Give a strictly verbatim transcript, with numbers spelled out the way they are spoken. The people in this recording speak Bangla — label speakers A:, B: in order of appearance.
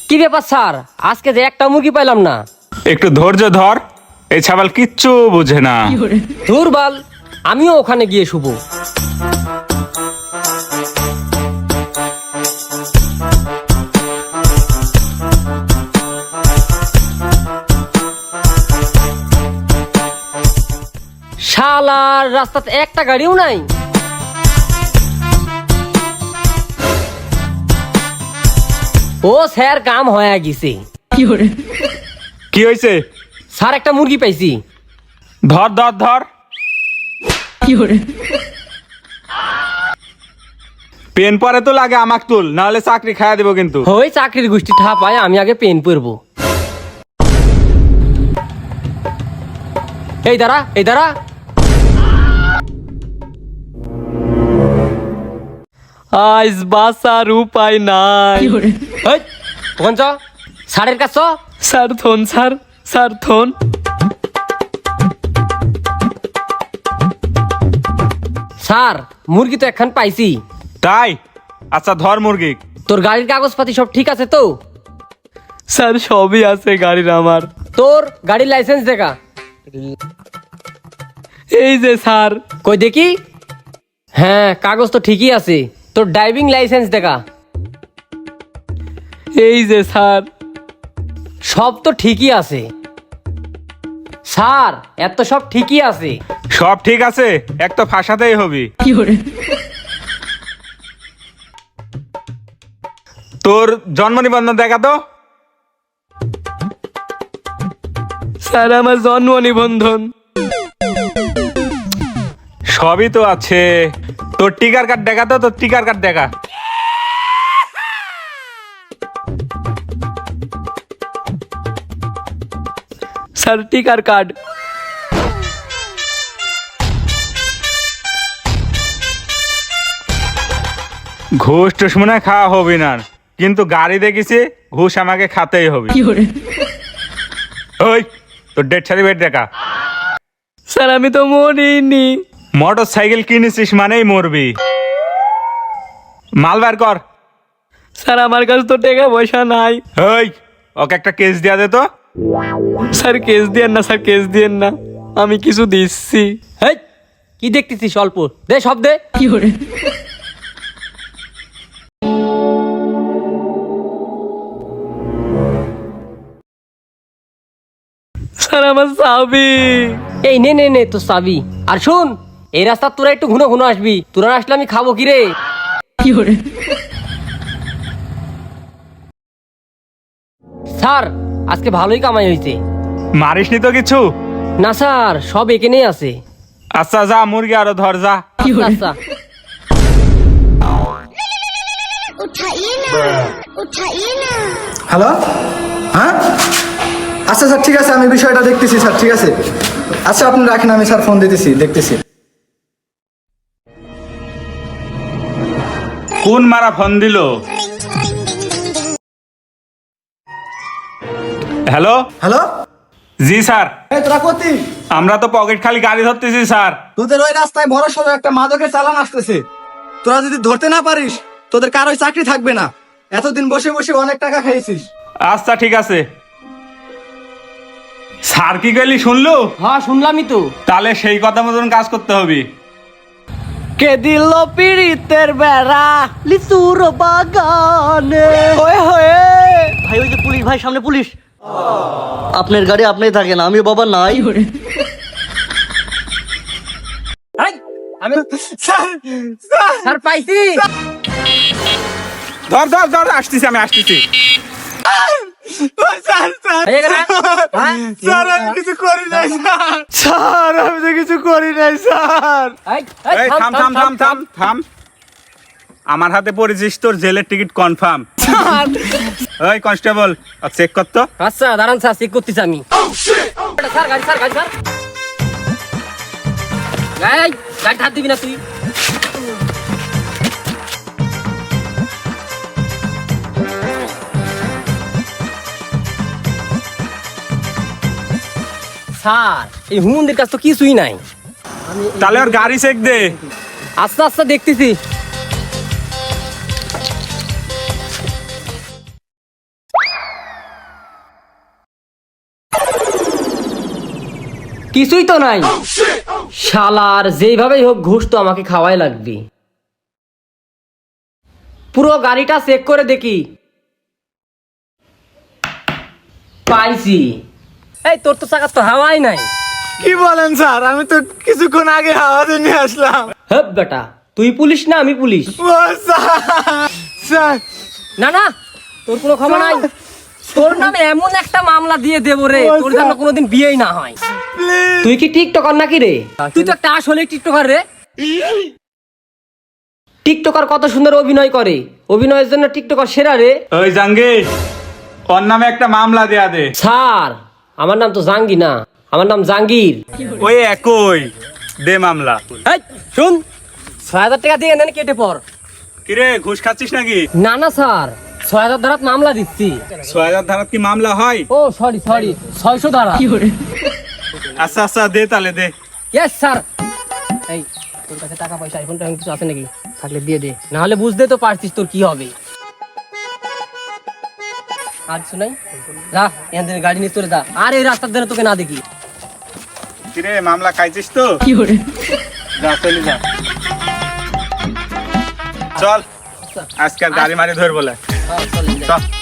A: কি ব্যাপার স্যার, আজকে যে একটা মুরগি পাইলাম না।
B: একটু ধৈর্য ধর, এই ছাবাল কিচ্ছু বুঝে না।
A: দুর্বল, আমিও ওখানে গিয়ে শুভ। শালার রাস্তাতে একটা গাড়িও নাই। ও স্যার, কাম হয়ে গেছে।
B: কি হয়েছে?
A: স্যার একটা মুরগি পাইছি।
B: ধর ধর ধর। পেন পরে তো লাগে, আমাক তুল, নাহলে চাকরি খাইয়া দেবো কিন্তু।
A: ওই চাকরির গোষ্ঠী ঠা পায়, আমি আগে পেন পরবো। এই দাঁড়া, এই দাঁড়া।
C: আজ বাসার উপায় নাই।
A: এই, ওখান চ, স্যারের কাছ চ।
C: স্যার থন, স্যার স্যার থন।
A: স্যার, মুরগি তো একখান পাইছি।
B: তাই? আচ্ছা ধর মুরগি।
A: তোর গাড়ির কাগজপাতি সব ঠিক আছে তো?
C: স্যার সবই আছে গাড়ির আমার।
A: তোর গাড়ির লাইসেন্স দেখা।
C: এই যে স্যার।
A: কই দেখি। হ্যাঁ, কাগজ তো ঠিকই আছে। তোর ড্রাইভিং লাইসেন্স দেখা।
C: এই যে স্যার।
A: সব তো ঠিকই আছে স্যার, এত সব ঠিকই আছে।
B: সব ঠিক আছে, এক তো ফাঁসাতেই হবি। তোর জন্ম নিবন্ধন দেখা তো।
C: স্যার আমার জন্ম নিবন্ধন।
B: সবই তো আছে। তোর টিকার কার্ড দেখা তো, তোর টিকার কার্ড দেখা।
C: স্যার টিকার কার্ড।
B: ঘুষ টুস মনে হয় খাওয়া হবে না, কিন্তু গাড়ি দেখেছি, ঘুষ আমাকে খাতেই হবে। ওই তোর ডেট সার্টিফিকেট দেখা।
C: স্যার আমি তো মরিনি।
B: মোটর সাইকেল কিনেছিস মানেই মরবি। মাল বার কর।
C: স্যার আমার কাছে তো টাকা পয়সা নাই।
B: ওই ওকে একটা কেস দিয়া দে তো।
C: স্যার কেস দিয়েন না, স্যার কেস দিয়েন না, আমি কিছু দিচ্ছি।
A: এই, কি দেখতেছিস? অল্প দে, সব দে।
C: স্যার আমার চাবি।
A: এই নে নে নে, তোর চাবি। আর শুন, এই রাস্তা তোরা একটু ঘুনো ঘুনো আসবি। তোরা না আসলে আমি খাবো কি রে? স্যার, আজকে ভালোই কামাই হয়েছে।
B: মারিসনি তো কিছু?
A: না স্যার, সব এখানেই আছে।
B: আচ্ছা যা, মুরগি আরো ধর যা।
A: আচ্ছা, আচ্ছা।
D: उठाइए ना उठाइए ना।
E: হ্যালো, হ্যাঁ আচ্ছা স্যার, ঠিক আছে, আমি বিষয়টা দেখতেছি স্যার, ঠিক আছে। আচ্ছা আপনি রাখেন, আমি স্যার ফোন দিতেছি, দেখতেছি।
B: কোন মারা ফোন দিল? হ্যালো
E: হ্যালো,
B: জি স্যার।
E: এই তোরা কোথি?
B: আমরা তো পকেট খালি গাড়ি ধরতেছি স্যার।
E: তোদের ওই রাস্তায় বড় সড়ো একটা মাদকের চালান আসতেছে। তোরা যদি ধরতে না পারিস, তোদের কারোই চাকরি থাকবে না। এতদিন বসে বসে অনেক টাকা খেয়েছিস।
B: আচ্ছা ঠিক আছে। স্যার কি গেলি শুনলো?
A: হ্যাঁ, শুনলামই তো।
B: তাহলে সেই কথা মতন কাজ করতে হবে।
C: কে দিল পিড়িতের বেড়া লিচুর বাগানে। ওয়ে হয়ে
F: ভাই ওই যে পুলিশ ভাই, সামনে পুলিশ। আপনার গাড়ি আপনি থাকেন, আমি বাবা নাই।
A: এই, আমি স্যার পাইছি।
B: ধর ধর ধর, আসতেছি আমি, আসতেছি।
A: হয়ে গেল? হ্যাঁ?
E: স্যার আমি কিছু করি নাই স্যার। স্যার আমি তো কিছু করি নাই স্যার।
A: এই, এই,
B: এই থাম থাম থাম থাম থাম। আমার হাতে পড়েছিস, তোর জেলের টিকিট কনফার্ম। ওই কনস্টেবল, চেক কর তো।
A: আচ্ছা দাঁড়ান স্যার, চেক করতেছি আমি। স্যার গাড়ি, স্যার গাড়ি, স্যার এই, গাড়ি হাত দিবি না তুই। স্যার, এই হুমুন্দির কাছ তো কিছুই নাই।
B: তাহলে ওর গাড়ি চেক দে।
A: আস্তে আস্তে দেখতেছি। কিছুই তো নাই। শালার যেইভাবেই হোক ঘুষ তো আমাকে খাওয়াই লাগবে। পুরো গাড়িটা চেক করে দেখি। পাইছি। এই তোর তো চাকার তো হাওয়াই নাই।
E: কি বলেন স্যার, আমি তো কিছুক্ষণ আগে হাওয়াতে নিয়ে আসলাম।
A: হেপ বেটা, তুই পুলিশ না আমি পুলিশ?
E: ও স্যার, স্যার
A: না না, তোর কোনো ক্ষমা নাই। তোর নামে এমন একটা মামলা দিয়ে দেবো রে, তোর জন্য কোনোদিন বিয়েই না হয়। তুই কি টিকটকার নাকি রে? তুই তো একটা আসলে টিকটকার রে। টিকটকার কত সুন্দর অভিনয় করে, অভিনয়ের জন্য টিকটকার সেরা রে।
B: ওই জাঙ্গির, ওর নামে একটা মামলা দেয়া দে।
A: স্যার আমার নাম তো জাঙ্গি না, আমার নাম জাঙ্গির।
B: ওই একই, দে মামলা।
A: এই শুন, ছয় হাজার টাকা দিয়ে নেন, কেটে পর।
B: কিরে ঘুষ খাচ্ছিস নাকি?
A: না না স্যার, ছয় হাজার ধারাত মামলা দিচ্ছি।
B: ছয় হাজার ধারাত কি মামলা হয়?
A: ও সরি সরি, ছয়শো ধারা।
B: আচ্ছা আচ্ছা, দে তাহলে দে।
A: Yes sir. এই তোর কাছে টাকা পয়সা আইফোনটা কিছু আছে নাকি? থাকলে দিয়ে দে, না হলে বুঝতে তো পারছিস তোর কি হবে। আর শুনাই, যা এখান থেকে গাড়ি নিয়ে চলে যা, আর এই রাস্তার ধারে তোকে না দেখি।
B: কিরে মামলা খাইছিস তো? যা চলে যা, চল আজকাল গাড়ি মারি ধর বলে।
A: হ্যাঁ, চলে যা।
B: চল।